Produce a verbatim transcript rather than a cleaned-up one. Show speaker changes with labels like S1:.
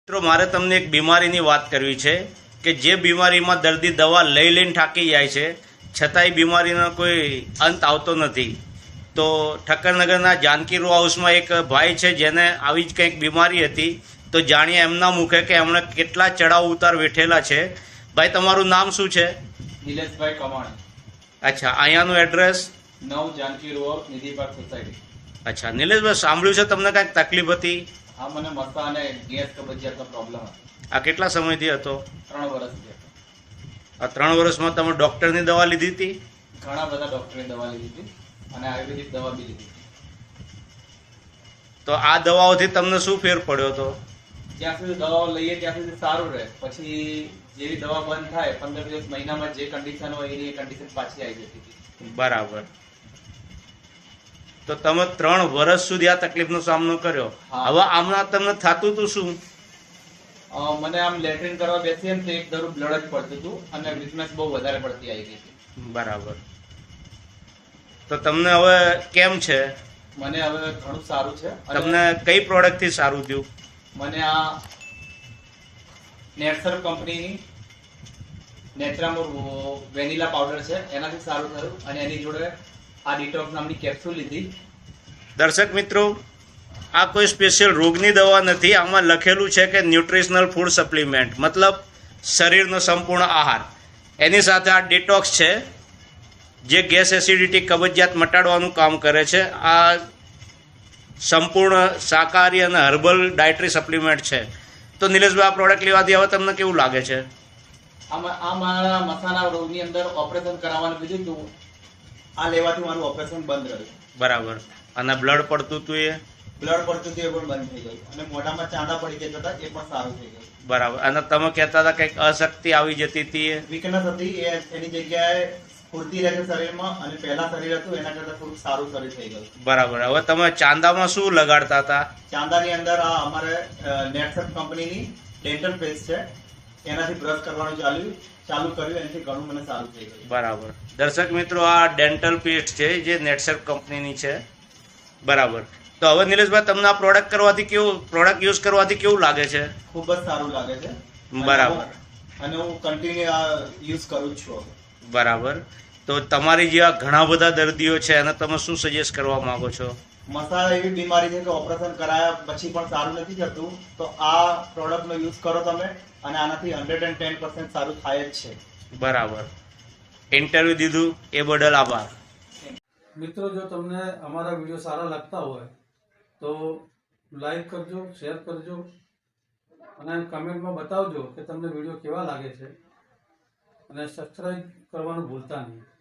S1: મિત્રો મારે તમને એક બીમારીની વાત કરવી છે કે જે બીમારીમાં દર્દી દવા લઈ લઈને થાકી જાય છે છતાંય બીમારીનો કોઈ અંત આવતો નથી. તો ઠક્કરનગરના જાનકી રો હાઉસમાં એક ભાઈ છે જેને આવી જ કંઈક બીમારી હતી. તો જાણીએ એમના મુખે કે એમણે કેટલા ચડાવ ઉતાર વેઠેલા છે. ભાઈ તમારું નામ શું છે?
S2: નિલેશભાઈ કમાણી.
S1: અચ્છા, અહીંયાનું એડ્રેસ?
S2: નવ જાનકી રો નિધિ પાર્ક સોસાયટી.
S1: અચ્છા નિલેશભાઈ, સાંભળ્યું છે તમને કાંઈક તકલીફ હતી?
S2: હા, મને મસા અને ગેસ કબજિયાતનો પ્રોબ્લેમ હતો.
S1: આ કેટલા સમયથી હતો?
S2: ત્રણ વર્ષથી હતો.
S1: આ ત્રણ વર્ષમાં તમે ડૉક્ટરની દવા લીધી હતી?
S2: ઘણા બધા ડોક્ટરની દવા લીધી હતી અને આયુર્વેદિક દવા બી લીધી.
S1: તો આ દવાઓથી તમને શું ફેર પડ્યો હતો?
S2: જ્યાં સુધી દવાઓ લઈએ ત્યાં સુધી સારું રહે, પછી જેવી દવા બંધ થાય પંદર દિવસ મહિનામાં જે કન્ડિશન હોય એની કન્ડિશન પાછી આવી જતી હતી.
S1: બરાબર. તો તમે ત્રણ વર્ષ સુધી આ તકલીફનો સામનો કર્યો. હવે આમના તમને થતું હતું શું?
S2: અ, મને આમ લેટ્રિન કરવા બેસીએ ને તો એક ધરું બ્લડ જ પડતું હતું અને વીકનેસ બહુ વધારે પડતી આવી ગઈ હતી.
S1: બરાબર. તો તમને હવે કેમ છે?
S2: મને હવે ઘણું સારું છે. અને
S1: તમને કઈ પ્રોડક્ટથી સારું થયું?
S2: મને આ નેટસર્ફ કંપનીની નેચરામોર વેનીલા પાવડર છે એનાથી સારું થયું અને એની જોડે આ ડિટોક્સ નામની કેપ્સ્યુલ લીધી.
S1: દર્શક મિત્રો, આ કોઈ સ્પેશિયલ રોગની દવા નથી. આમાં લખેલું છે કે ન્યુટ્રિશનલ ફૂડ સપ્લિમેન્ટ, મતલબ શરીરનો સંપૂર્ણ આહાર. એની સાથે આ ડિટોક્સ છે જે ગેસ, એસિડિટી, કબજિયાત મટાડવાનું કામ કરે છે. આ સંપૂર્ણ શાકાહારી અને હર્બલ ડાયટરી સપ્લિમેન્ટ છે. તો નિલેશભાઈ, આ પ્રોડક્ટ લેવાથી હવે તમને કેવું લાગે છે?
S2: આમાં આ મારા મસાના રોગની અંદર ઓપરેશન કરાવવાનું કીધું હતું. આ લેવાથી મારું ઓપરેશન બંધ રહ્યું.
S1: બરાબર. અને બ્લડ પડતું હતું એ?
S2: બ્લડ પડતું હતું એ પણ બંધ થઈ ગયું અને મોઢામાં ચાંદા પડી જતા હતા એ પણ સારું થઈ ગયું.
S1: બરાબર. અને તમે કહેતા હતા કંઈક અશક્તિ આવી જતી હતી એ?
S2: વીકનેસ હતી એ એની જગ્યાએ સ્ફૂર્તિ રહે છે શરીરમાં અને પહેલા શરીર હતું એના કરતા થોડું સારું શરીર થઈ ગયું.
S1: બરાબર. હવે તમે ચાંદામાં શું લગાડતા હતા?
S2: ચાંદાની અંદર આ અમારે નેટસર્ફ કંપનીની ડેન્ટલ પેસ્ટ છે એનાથી બ્રશ કરવાનું ચાલ્યું ચાલુ કર્યું એનાથી ઘણું મને સારું થઈ ગયું.
S1: બરાબર. દર્શક મિત્રો, આ ડેન્ટલ પેસ્ટ છે જે નેટસર્ફ કંપનીની છે. બરાબર. તો હવે નિલેશભાઈ, તમને આ પ્રોડક્ટ કરવાથી કેવું પ્રોડક્ટ યુઝ કરવાથી કેવું લાગે છે?
S2: ખૂબ જ સારું લાગે છે.
S1: બરાબર.
S2: અને હું કન્ટિન્યુ આ યુઝ કરું જ છું.
S1: બરાબર. તો તમારી જેવા ઘણા બધા દર્દીઓ છે એને તમે શું સજેસ્ટ કરવા માંગો છો?
S2: મસા એવી બીમારી છે કે ઓપરેશન કરાયા પછી પણ સારું નથી થતું, તો આ પ્રોડક્ટનો યુઝ કરો તમે અને આનાથી હંડ્રેડ એન્ડ ટેન પર્સન્ટ સારું થાય જ છે.
S1: બરાબર. ઇન્ટરવ્યુ દીધું એ બદલ આભાર.
S3: મિત્રો, જો તમને અમારા વિડીયો સારા લાગતા હોય તો લાઈક કરજો, શેર કરજો અને કમેન્ટમાં બતાવજો કે તમને વિડીયો કેવા લાગે છે અને સબસ્ક્રાઈબ કરવાનું ભૂલતા નહીં.